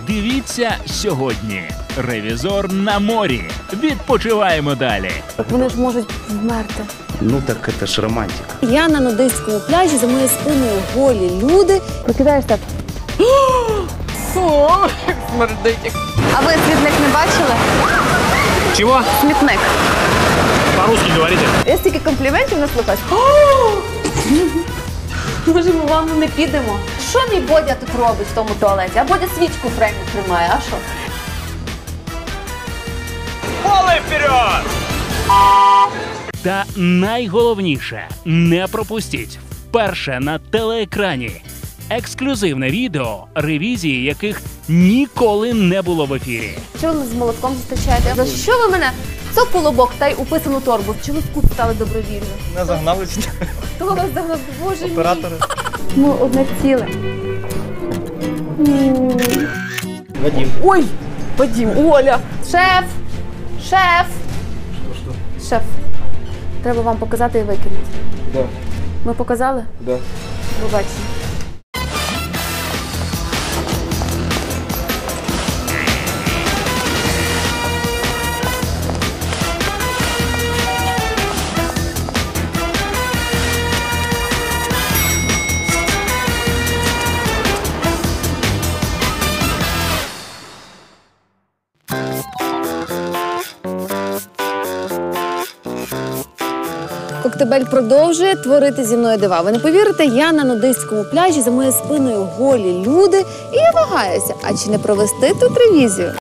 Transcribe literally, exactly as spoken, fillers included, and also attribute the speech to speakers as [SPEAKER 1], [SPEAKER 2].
[SPEAKER 1] Дивіться сьогодні. Ревізор на морі. Відпочиваємо далі.
[SPEAKER 2] Вони ж можуть вмерти.
[SPEAKER 3] Ну так это ж романтика.
[SPEAKER 2] Я на нудистському пляжі, за моєю спиною голі люди. Прокидаєш так.
[SPEAKER 4] О, як смердить.
[SPEAKER 2] А ви смітник не бачили?
[SPEAKER 4] Чего?
[SPEAKER 2] Смітник.
[SPEAKER 4] По-русски говорите.
[SPEAKER 2] Я стільки компліментів наслухаюсь. Може, ми вам не підемо? Що мій Бодя тут робить в тому туалеті? А Бодя свічку в фреймі тримає, а що?
[SPEAKER 4] Полы вперед!
[SPEAKER 1] Та найголовніше, не пропустіть вперше на телеекрані ексклюзивне відео, ревізії яких ніколи не було в ефірі.
[SPEAKER 2] Чого ви з молотком зустрічаєте? За що ви мене? Це колобок та й уписану торбу. Чи ви в кут стали добровільно?
[SPEAKER 4] Не загнались.
[SPEAKER 2] Хто вас загнав? Боже мій.
[SPEAKER 4] Оператори.
[SPEAKER 2] Ну, одне ціле.
[SPEAKER 4] Вадим.
[SPEAKER 2] Ой, Вадим, Оля. Шеф, шеф. Шеф, треба вам показати і викинути.
[SPEAKER 4] Да.
[SPEAKER 2] Ми показали?
[SPEAKER 4] Да.
[SPEAKER 2] Побачимо. Коктебель продовжує творити зі мною дива. Ви не повірите, я на нудистському пляжі, за моєю спиною голі люди, і я вагаюся, а чи не провести тут ревізію?